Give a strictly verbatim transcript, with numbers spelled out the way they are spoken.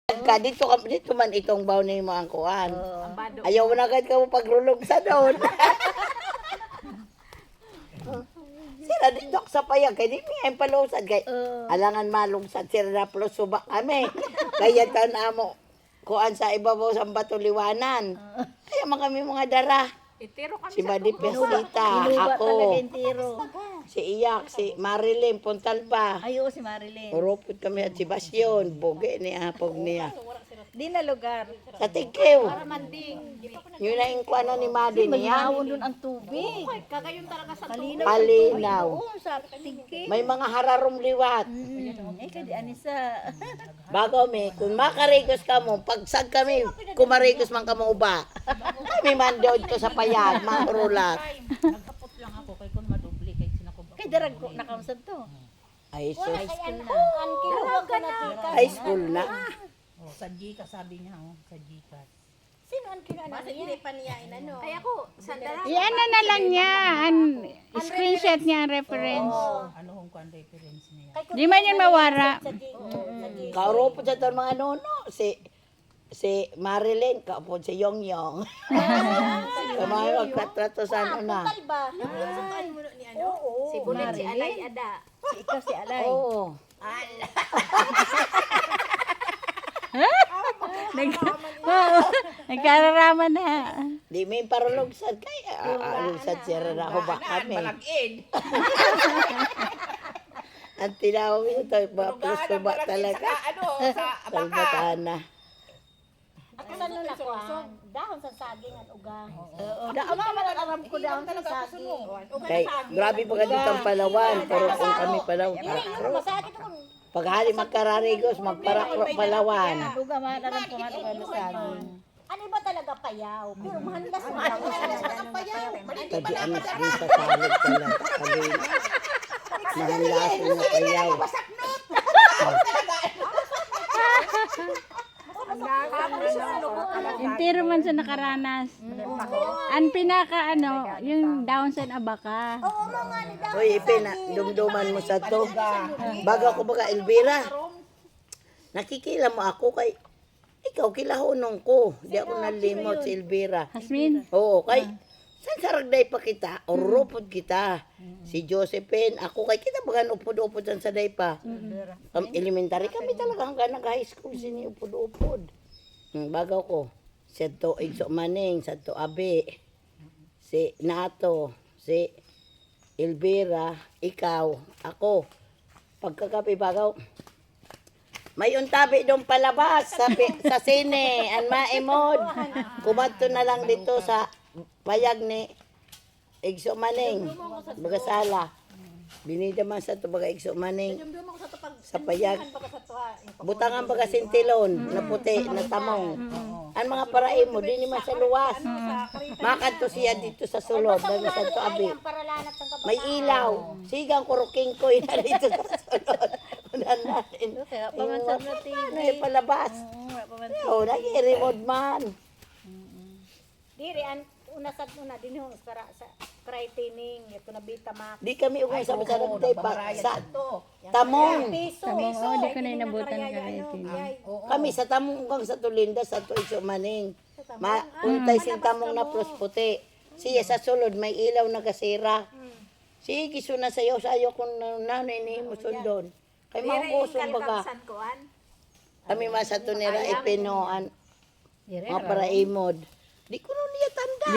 Ka dito ka dito man itong baw ni mo ang kuan. Oh. Ayaw na agad ka mo pagrulog sa doon. Sira dito sa payag kay di mi ay palusad kay Oh. alangan malungsad sira na plus suba kami. Kaya tan amo kuan sa ibabaw sa bato liwanan. Kaya man kami mga dara. Itiro kami Si sa Madi Pesita, Inuba ako, talaga yung tiro. si Iyak, si Marilyn Puntalba. Ayo si Marilyn. Uropot kami at si Basyon, boge ni apog niya. Di na lugar. Sa Tigkew, manding. yun na yung kuano ni Madi niya. Mahawon doon ang tubig. Kagayon talaga sa Kalinaw. Palinaw. Oo, sa tingki. May mga hararom liwat. Mm. Eh, kadi anisa. Bago mi, kung makarigos ka mo, pagsag kami, kumarigos man ka mo uba. Kami man doon to sa payag, marulat. Nagkapot lang ako kay kun madubli kay sinakubak. Kay darag ko nakausad to. Ay, sus. High school na. Ka na. High school na. Oh, sa Gcash sabi niya oh, sa Gcash. Sino ang kinaanan Basta hindi pa niya inano. Ay ako, sa dara. Iyan na lang niya. An, screenshot niya ang reference. Ano hong kuan reference niya? Di man yun mawara. Kauropot sa to mga nono, si si Marilyn, kaupod si Yong Yong. Kamay magkatrato sa ano na. Ba? Saan mo ni ano? Oo. Si Bulit si Alay Ada. Si ikaw si Alay. Oo. Nag, oo, nagkararaman na. Di may parulugsad kay alugsad siya na ako ba kami. Ang tinawag ito, plus ba talaga. Ano sa Salbatana. Ako sa nula ko ah. Dahon sa saging at ugang. Oo, Daan pa man aram ko dahon sa saging. kay grabe pa ka dito ang Palawan, pero kung kami Palawan. Masakit ako. Paghali magkararigos, magparakro Palawan. Ugang man aram ko man sa saging. Ano ba talaga payaw? Pero mahandas mo ang payaw. Tadi anas din sa salad talaga. Kali, nahanlasin na payaw. Entero man sa nakaranas. Ang pinaka ano, yung down sa abaka. Hoy, ipina, dumduman mo sa to. Bago ako baga, Elvira. Nakikila mo ako kay, ikaw kilahunong ko. Di ako nalimot si Elvira. Hasmin, Oo, kay, saan saragday pa kita? Orupod kita. Si Josephine, ako kay kita baga upod-upod sa saday pa. Um, elementary kami talaga hanggang nag-high school sini upod-upod. Hmm, bago ko, si to Igso Maning, sa to Abi, si Nato, si Elvira, ikaw, ako. Pagkakapi bagaw, may untabi doon palabas sa, pi- sa sine, ang maimod. Kumadto na lang dito sa payag ni Igso Maning, baga sala. Binida man sa to baga Igso Maning, sa payag. Butangan baga sintilon, na puti, na tamong. Ang mga parae mo, di naman sa luwas. Makanto siya dito sa sulod, baga sa to abi. May ilaw. Sigang kuruking ko na dito sa sulod. Unan natin. Kaya pamansan na T V. Ano yung palabas? Oo, pamansan. Oo, nag-i-remote man. Diri an una sad una din ho para sa cry training ito na Betamax. Di kami ugay sa masarap tayo pa sa tamong. Piso. tamong, oh, di ko na inabutan ka rin. Kami sa tamong ugang sa Tulinda, sa Tuiso Maning. Ma, untay sin tamong na plus puti. Siya sa sulod, may ilaw na kasira. Sige, suna sayo, sayo kung nanay ni mo sundon. Kay mga kusong baga. San kuan? Kami man sa tunira ipinoan. Mga para imod. Di ko nun niya tanda.